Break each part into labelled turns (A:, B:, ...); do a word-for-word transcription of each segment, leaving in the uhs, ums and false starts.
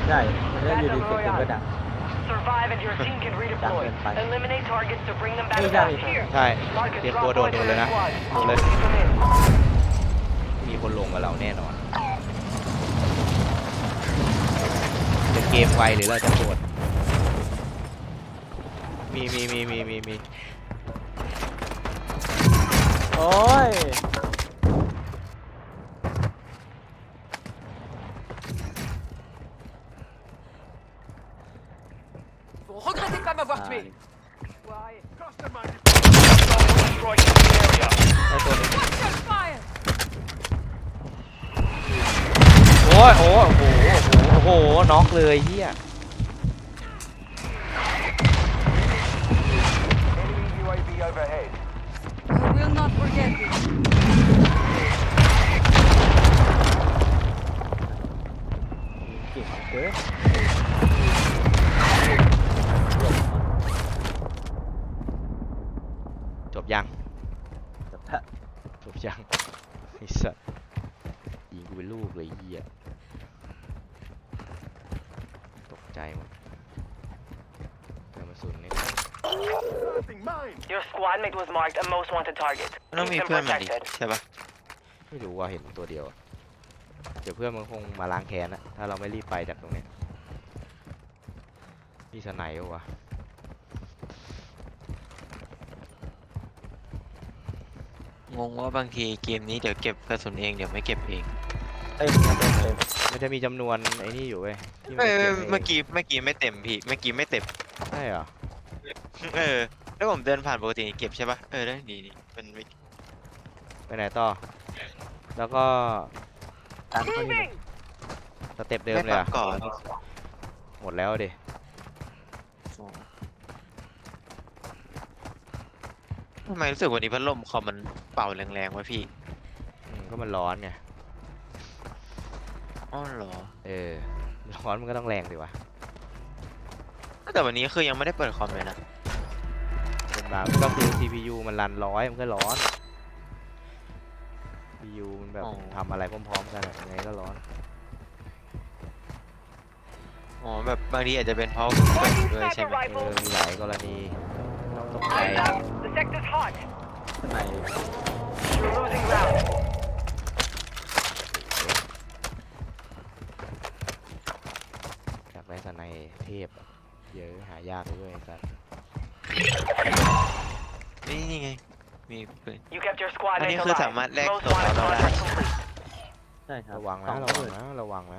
A: ใช่มันก็อยู่ดีเสียงปืนก็ดัง
B: Survive and your team can redeploy. Eliminate targets to bring them back
A: Hey,
B: fast.
A: Johnny.
C: ใช่เตรียมตัวโดดเลยนะโดดเลยมีคนลงกับเราแน่นอนจะเกมไวหรือเราจะโดดมีมีมีมีมีมี
A: โอ้ย
D: Vous regrettez pas m'avoir tué.
C: ไอ้ตัวนี้
D: Taking fire.
C: โอ้ยโอ้โหโอ้โหน็อกเลยเฮีย
B: Enemy U A V overhead.
D: I will not forget you.
A: เก่งเกิน
C: จบยัง
A: แบบถ้า
C: จบยังไอ้สัสยิงกูเป็นลูกเลยเฮียตกใจหมดเติมกระสุนนี่
B: Your squad mate was marked a most wanted target.
E: มันต้องมี
B: Keep them
E: เพื่อนมันดิ
B: protected.
E: ใช่ปะ
C: ไม่รู้ว่าเห็นตัวเดียวอะเดี๋ยวเพื่อนมันคงมาล้างแค้นนะถ้าเราไม่รีบไปจากตรงนี้มีสไนเปอร์วะ
E: งงว่าบางทีเกมนี้เดี๋ยวเก็บกระสุนเองเดี๋ยวไม่เก็บเอง
A: เต็มเต็มเต็ม
C: มันจะมีจำนวนไอ้นี่อยู่เว้ยที่
E: เอ
C: มัน
E: อ
C: จะเก็บ
E: เมื่อกี้เมื่อกี้ไม่เต็มพี่เมื่อกี้ไม่เต็ม
C: ใช่เหรอ
E: เออแล้วผมเดินผ่านปกติเก็บใช่ปะเออได้ดีดีมันไม่
C: ไปไหนต่อแล้วก็
A: ตามเขานี่
C: สเต็ปเดิม
E: ไม่
C: เลย
E: ปั๊
C: อะ
E: มก่อน
C: หมดแล้วดิ
E: ทำไมรู้สึกวันนี้พัดลมคอมมันเป่าแรงๆวะพี่
C: อืมก็มันร้อนไง
E: อ๋อเหรอ
C: เออร้อนมันก็ต้องแรงดิวะ
E: แต่วันนี้คือยังไม่ได้เปิดคอมเลยนะ
C: เป็นบางก็คือ ซี พี ยู มันรันร้อยมันก็ร้อน ซี พี ยู มันแบบทำอะไรพร้อมๆกันอะยังไงก็ร้อน
E: อ๋อแบบบางทีอาจจะเป็นเพราะเปิดอยู่ด้วยใช่ไหม
C: เออมีหลายกรณีต้องตกใจ
B: Eyes up. The sector's hot.
A: ข้างใน
B: You're losing ground.
C: อยากได้สไนเทพอะเยอะหายากเลยไอ้สัส
E: นี่นี่ไงมีปืน
B: You kept your squad
E: อัน
B: mate
E: นี้คือ
B: alive.
E: สามารถแลก
B: Most
E: ตัว
B: wanted
E: เราได้
B: contract complete.
A: ใช่ครับ
C: ระวัง
A: สอ
C: นะ
A: ง
C: ระ
A: ห
C: วัง
A: มื่น
C: นะระวังนะ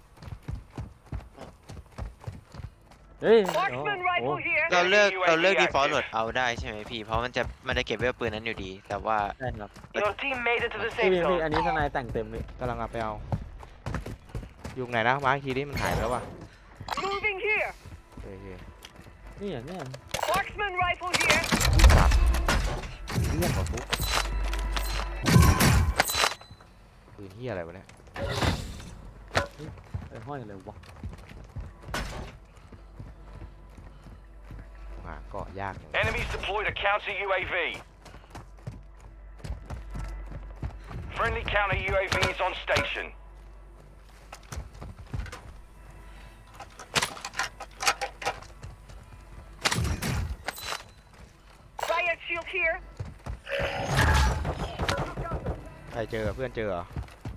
A: เฮ้ยโอ้
B: Marksman
A: โห
B: rifle here.
E: เราเลือก
B: Enemy
E: เราเลือก
B: U A V
E: default
B: active.
E: load เอาได้ใช่ไหมพี่เพราะมันจะมันจะเก็บไว้ปืนนั้นอยู่ดี แต่ว่า
A: ใช่ครับ
B: Your team made it to the
A: พี่
B: safe
A: พี่พี่
B: zone.
A: อันนี้ทนายแต่งเต็มเลย
C: กำลังเอาไปเอาอยู่ไหนนะมาร์คทีนี้มันหายไปแล้ววะ
B: Moving here.
C: โอเค
A: นี่อย่างเนี้ย
B: Marksman rifle here.
C: สัตว์เรียกกว่าฟุกปืนเฮียอะไรวะเนี่ย
A: ไอ้ห้อยเลยวะ
C: หาเกาะยากจัง
F: Enemies deployed a counter U A V. Friendly counter U A V is on station.
B: Riot shield here.
C: ใครเจอเพื่อนเจอเหรอ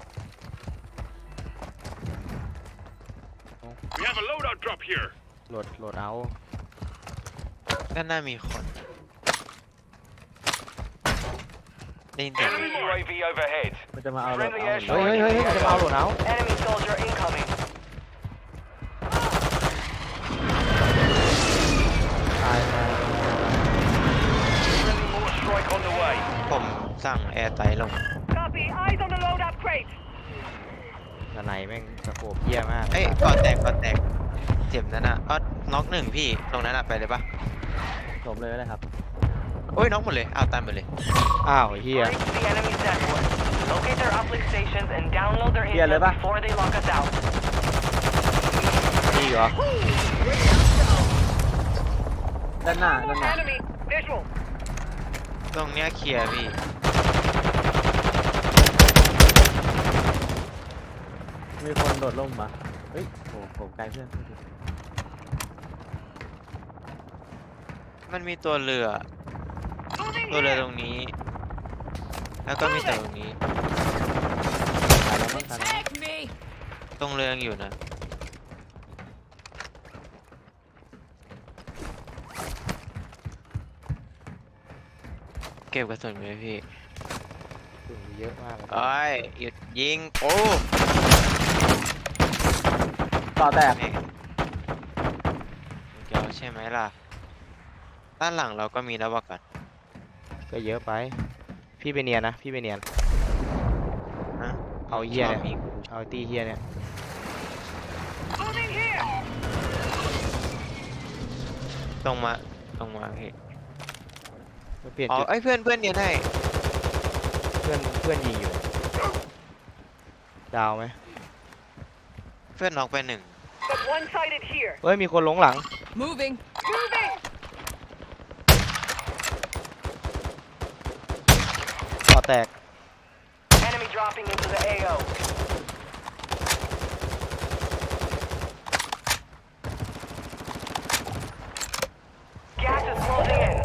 F: We have a loadout drop here.
C: โหลดโหลดเอา
E: ด้านหน้ามีคนได้ยินเสียง
F: Enemy U A V overhead.
A: มันจะมาเอาเรา
F: Friendly
A: เอา
C: เฮ้ย
F: airstrike.
C: เฮ้ยเฮ้ยมันจะมาเอาโหลดเอา
B: Enemy soldier incoming.
A: ตายตาย
F: Friendly mortar strike on the way.
E: ผมสั่งแอร์ไตลง
B: Copy. Eyes on the loadout crate.
C: สไนแม่งสะโขบเหี้ยมาก
E: เอ้ยก่อนแตกก่อนแตกเจ็บนั่นน่ะอ๋อน็อกหนึ่งพี่ตรงนั้นอ่ะไปเลยปะ
A: จบเลยก็ได้ครับ
E: โอ้ยน็อกหมดเลยอ้าวตายหมดเลย
C: อ้าวไอ้เหี้ย
B: Reach the enemy's network. Locate their uplink stations and download their
A: Yeah,
B: intel
A: Leva.
B: before they lock us out.
C: นี่เหรอ
A: ด้านหน้าด้านหน้า
B: Enemy visual.
E: ตรงเนี้ยเคลียร์พี่
A: มีคนโดดร่มมาเฮ้ยโอ้ผมไกลเพื่อน
E: มันมีตัวเรือ ตัวเรือตรงนี้ แล้วก็มีแต่ตรงนี้
A: ตายแล้วมั้งตายแล้วมั้ง
D: Take me!
E: ตรงเรือยังอยู่นะ เก็บกระสุนไหมพี่
C: ตุ่มเยอะมากเลย
E: โอ้ยหยุดยิงโอ้
A: ต่อแตก
E: แม่งเกี่ยวใช่ไหมล่ะ ด้านหลังเราก็มีแล้วว่ากัน
C: ก็เยอะไป พี่ไปเนียนนะ พี่ไปเนียน
E: นะ
C: เอาเหี้ย
E: ชอบ
C: เนี่ย
E: มี
C: เอาตีเฮียเนี่ย
E: ตรงมาตรงมาพี่
C: มาเปลี่ยน
E: อ๋อ
C: จุด
E: ไอ้ยเพื่อนเพื่อนเนียนให้
C: เพื่อนเพื่อนยิงอยู่ ดาวไหม
E: เพื่อนน็อกไปหนึ่ง
B: But one-sided here.
C: เฮ้ยมีคนหลงหลัง
D: Moving.
B: Moving.
C: ต่อแตก
B: Enemy dropping into the A O. Gas is closing in.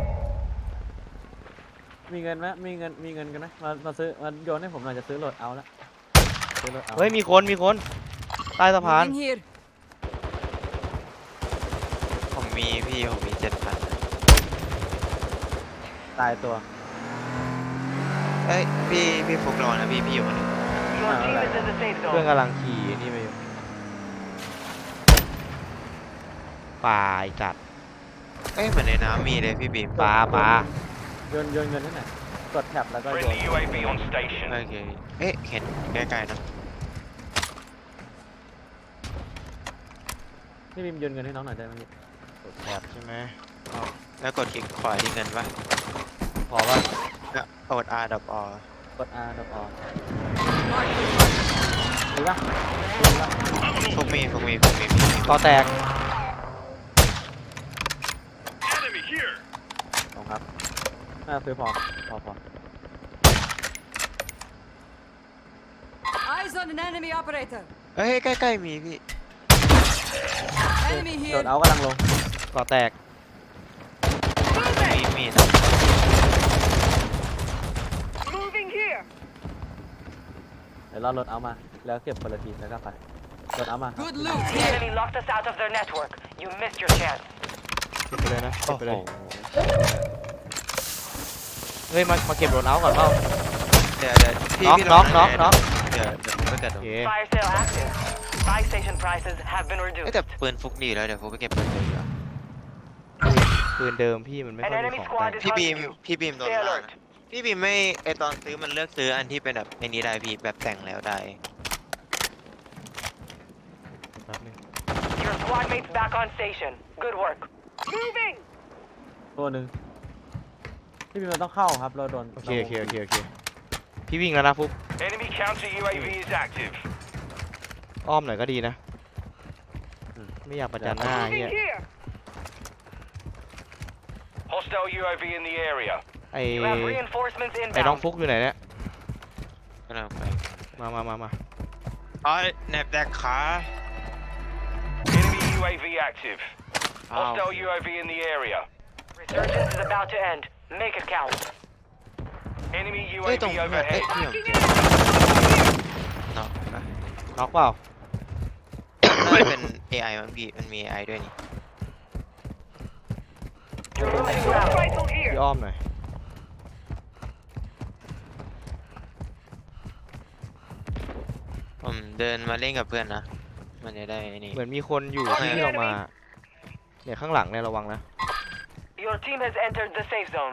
A: มีเงินไหมมีเงินมีเงินกันไหมมามาซื้อมาโยนให้ผมหน่อยจะซื้อโหลดเอาละซื้อโหลดเอา
C: เฮ้ยมีคนมีคนใต้สะพาน
D: Moving here.
E: ผมมีพี่ผมมีเจ็ดพัน
A: ตายตัว
E: เอ้ยพี่พี่ฟุกรอนะพี่พี่อยู่คนหนึง
B: Your
A: Ah,
B: team
A: alright.
B: is in the safe
C: เพื่อน
B: zone.
C: กำลังขี่นี่ไปอยู่ป่าไอ้จัด
E: เอ้ยเหมือนในน้ำมีเลยพี่บีม
C: ปลาปลา
A: โยนโยนเงินให้หน่อยกดแท็บแล้วก็โยน
F: Friendly U A V on station.
E: โอเคเอ๊ะเห็นใกล้ๆนะ
A: พี่บิมโยนเงินให้น้องหน่อยได้ไหมพี่
C: กดแถบใช่ไหม
E: แล้วกดคลิกขวาที่เงินป่ะ
C: พอป่ะ
E: แล้วกด R ดับ R
A: กด R ดอกอ
D: Mark the
A: มีปะมีปะ
E: ฟุกมีฟุกมีฟุกมีพี่
C: ต่อแตก
F: Enemy here.
A: ลงครับน่าซื้อพอพอพอ
D: Eyes on an enemy operator.
E: เอ้ยใกล้ๆมีพี่
D: Enemy
A: โด
D: here.
A: ดเอากำลังลง
C: ต่อแตก
E: มีมีนะ
B: Moving here.
A: เดี๋ยวรอรถเอามาแล้วเก็บคนละทีแล้วก็ไปรถเอามา
D: Good loot
B: The
D: here.
B: enemy locked us out of their network. You missed your chance.
C: เก็บไปเลยนะเก็
E: โอ้
C: บไป
E: โห
C: เลย เฮ้ยมามาเก็บโดนเอาท์ก่อนเปล่า
E: เดี๋ยวเดี๋ยวพี่
C: น็อก
E: พี่
C: น็อก
E: ลง
C: น็อก
E: ไห
C: น็อก
E: เดี๋ยวเดี๋ยวผมไปเกิดต
C: โอ
E: รง
C: เค
B: Fire sale active. Buy station prices have been
E: เอ้ย
B: reduced.
E: แต่ปืนฟุกดีแล้วเดี๋ยวฟุกไปเก็บปืนเลยดีกว่า
C: ปืนเดิมพี่มันไม่ค่อยมีของแต่ง
E: พี่บีมพี่บีมโดนล่านะพี่บีมไม่ไอตอนซื้อมันเลือกซื้ออันที่เป็นแบบในนี้ได้พี่แบบแต่งแล้วได้
C: แป๊บนึง
B: Your squad mates back on station. Good work. Moving.
A: ตัวหนึ่งพี่บิมเราต้องเข้าครับเราโดน
C: โอเคโอเคโอเคโอเคพี่วิ่งแล้วนะฟุก
F: Enemy counter U A V is active.
C: อ้อมหน่อยก็ดีนะ ไม่อยากประจันหน้าเฮีย
B: here.
F: Hostile U A V in the area.
C: ไอ
B: You have reinforcements
C: ไอน้อง
B: inbound.
C: ฟุกอยู่ไหนเนี่ย
E: ก็เราไป
C: มามามามา
E: อ๋อแนบแดกขา
F: Enemy U A V active.
E: อ้าว
F: Hostile U A V in the area.
B: Resurgence is about to end. Make it count.
F: Enemy
E: เอ้ย
F: U A
E: ตรง
F: V
E: เพื่อนเอ้ย
F: overhead.
E: พี่ผมเจอเนาะนะ
C: น็อกเปล่า
E: น่าจะเป็น เอ ไอ มั้งพี่มันมี เอ ไอ ด้วยนี่
B: You're losing ground.
C: พี่อ้อมหน่อย
E: ผมเดินมาเล่นกับเพื่อนนะ มันจะได้ไอ้นี่
C: เหมือนมีคนอยู่ที่ที่เรามา เนี่ยข้างหลังเนี่ยระวังนะ
B: Your team has entered the safe zone.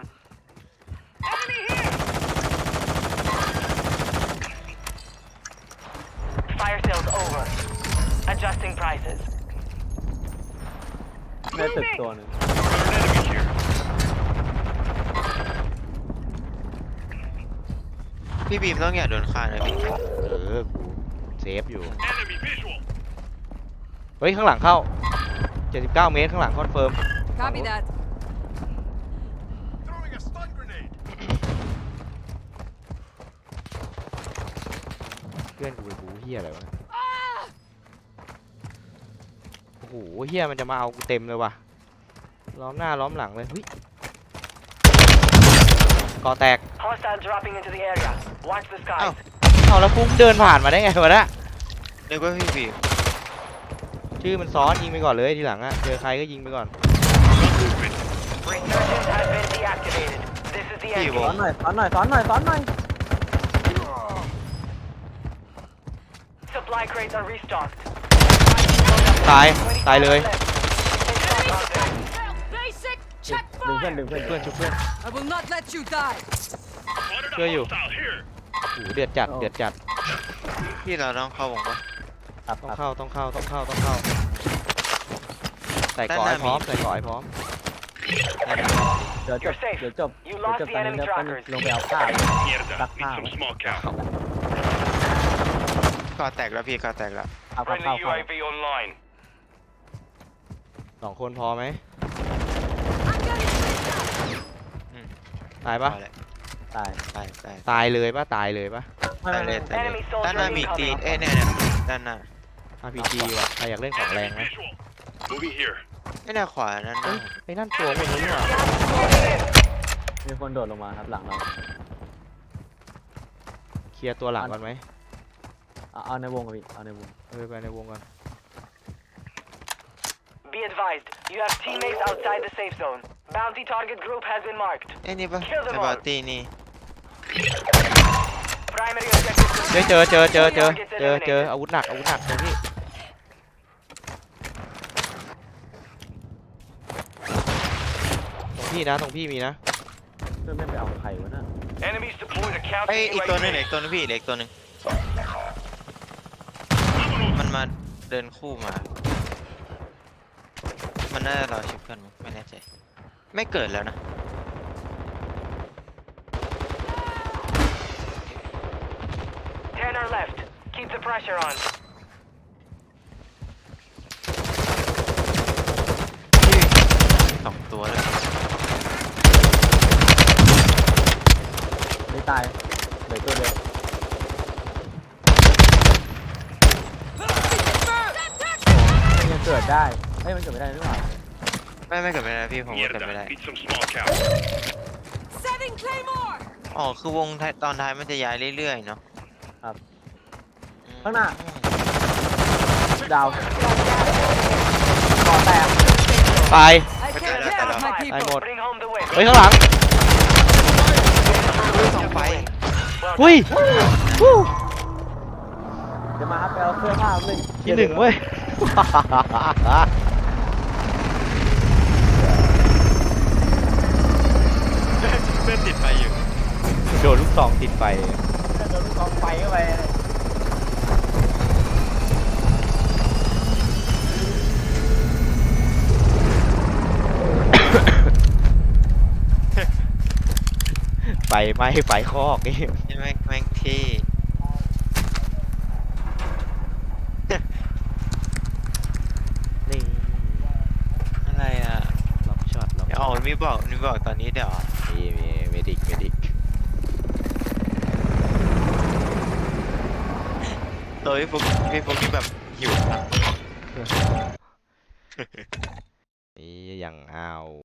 B: Fire sales over. Adjusting prices.
A: ในตึกตัวหนึ่ง
F: Enemy here.
E: พี่บีมต้องอย่าโดนฆ่านะพี่
C: เออกูเซฟอยู่
F: Enemy visual.
C: เฮ้ยข้างหลังเข้าเจ็ดสิบเก้าเมตรข้างหลังคอนเฟิร์ม
D: Copy that.
F: Throwing a stun grenade.
C: เพื่อนกูไปบูเฮียอะไรวะโหเฮียมันจะมาเอากูเต็มเลยว่ะล้อมหน้าล้อมหลังเลยเฮ้ยก่อแตก
B: Hostile dropping into the area. Watch the skies.
C: เอาแล้วฟุ้งเดินผ่านมาได้ไงวะเนี่ย
E: นึกว่าพี่บีม
C: ชื่อมันซ้อนยิงไปก่อนเลยทีหลังอะเจอใครก็ยิงไปก่อน
B: Resurgence has been deactivated. This is the
E: พี่
B: end
E: ว
A: ซ้อง นหน่อยซ้อนหน่อยซ้อนหน่อยซ้อนหน่อย
B: Supply crates are restocked.
C: ตายตายเลย
D: Basic check
A: ดึงเพื่อน
D: fire.
A: ดึงเพื่อน
C: เพื่อนชุบเพื่อน
D: I will not let you die.
C: ช่วยอยู่โอ้โหเดือดจัดเดือดจัด
E: พี่เราต้องเข้าวงปะ
A: ครับ
C: ต้อง
A: ครับ
C: เข้าต้องเข้าต้องเข้าต้องเข้าใส่ก่อให้พร้อมใส่ก่อให้พร้อม
A: เดี๋ยวจบ
B: You're safe.
A: เดี๋ยวจบ
B: You
A: เดี๋ยว
B: lost
A: จบ
B: the
A: ตอนนี้
B: enemy
A: แล้วก็
B: trackers.
A: ลงไปเอาข้าว
F: Mierda,
A: Back
F: need
A: now.
F: some smoke out.
E: ก่อแตกแล้วพี่ก่อแตกแล้ว
A: เอาข้าว
F: Friendly
A: ข้าวข้าว
F: U A V online.
C: สองคนพอไหม
D: I'm getting shot.
C: ตาย
E: พ
C: ปะ
E: อแล้ว
A: ตาย
E: ตายตาย
C: ตายเลยปะตายเลยปะ
A: ไม่
E: ตาย
A: ไม่
E: เลย
A: ไม่
E: ตายเลย
B: Enemy soldier
E: ด้านหน้ามี
B: incoming.
E: ตีนเอ้ยเนี่ยเนี่ยด้านหน้า
C: อาร์พีจีว่ะใครอยากเล่นของแรงไหม
F: Moving here.
E: ไอ้เนี่ยขวานั่น
C: เอ้
E: นะ
C: ยไอ้นั่นตัวพวกนี้ว่ะ
A: มีคนโดดลงมาครับหลังเรา
C: เคลียร์ตัวหลังก่อนไหม
A: เอาเอาในวงกับพี่เอาในวง
C: เอาไปไปในวงก่อน
B: Be advised, you have teammates outside the safe zone. Bounty target group has been marked.
E: ไอ้นี่ปะ
B: Kill them
E: ไอ้
B: all.
E: บอตตี้นี่
B: Primary objective
C: เฮ้ย
B: complete.
C: เจอเจอเจอเจอ
B: Targets
C: เจอเจอ
B: eliminated.
C: อาวุธหนักอาวุธหนักตรงนี้ตรงพี่นะตรงพี่มีนะ
A: เพื่อนไม่ไปเอาไข่วะน่ะ
F: Enemies deployed a
E: ไอ้
F: counter
E: อีกตัวหนึง
F: U A
E: เหล็
F: V.
E: กตัวหนึงพี่เหล็กตัวหนึงมันมาเดินคู่มา มันน่าจะรอชิปกันมั้งไม่แน่ใจ ไม่เกิดแล้วนะ
B: Ten are left. Keep the pressure on.
E: สองตัวเลย
A: ไม่ตายเหลือตัวเดียวมันยังเกิดได้เฮ้ยมันเกิดไม่ได้นี่หว่า
E: ไม่ไม่เกิดไม่ได้พี่ผมว่าเกิดไม่ได้
F: Mierda, need some smoke out.
D: Setting claymore.
E: อ๋อคือวงท้ายตอนท้ายมันจะย้ายเรื่อยๆเนาะ
A: ครับ
E: อืม
A: ข้างหน้า ดาวก่อแตก
C: ตาย
D: I take care of my
C: I
D: people.
C: mod.
B: Bring home the win.
C: เฮ้ยข้างหลัง
E: ต้องไป
B: Well
C: หุ้ย
B: done.
C: ฮู้
A: เดี๋ยวมาครับไปเอาเสื้อผ้าเลย
C: ที่หนึ่งเว้ย
E: เพื่อนติดไฟอยู่
C: โดนลูกซองติดไฟ
A: โดนลูกกองไฟเข้าไป
C: ไฟไหม้ไฟคอกนี่
E: ใช่ไหมแม่งที่
C: นี่
E: อะไรอ่ะ
C: ล็อกช็อตล็อก
E: เดี๋ยวอ๋อมีบอกมีบอกตอนนี้เดี๋ยว
C: มีมีเมดิกเมดิก
E: ตัวพี่ฟุกพี่ฟุกที่แบบหิว
C: นี่อย่างอ้าว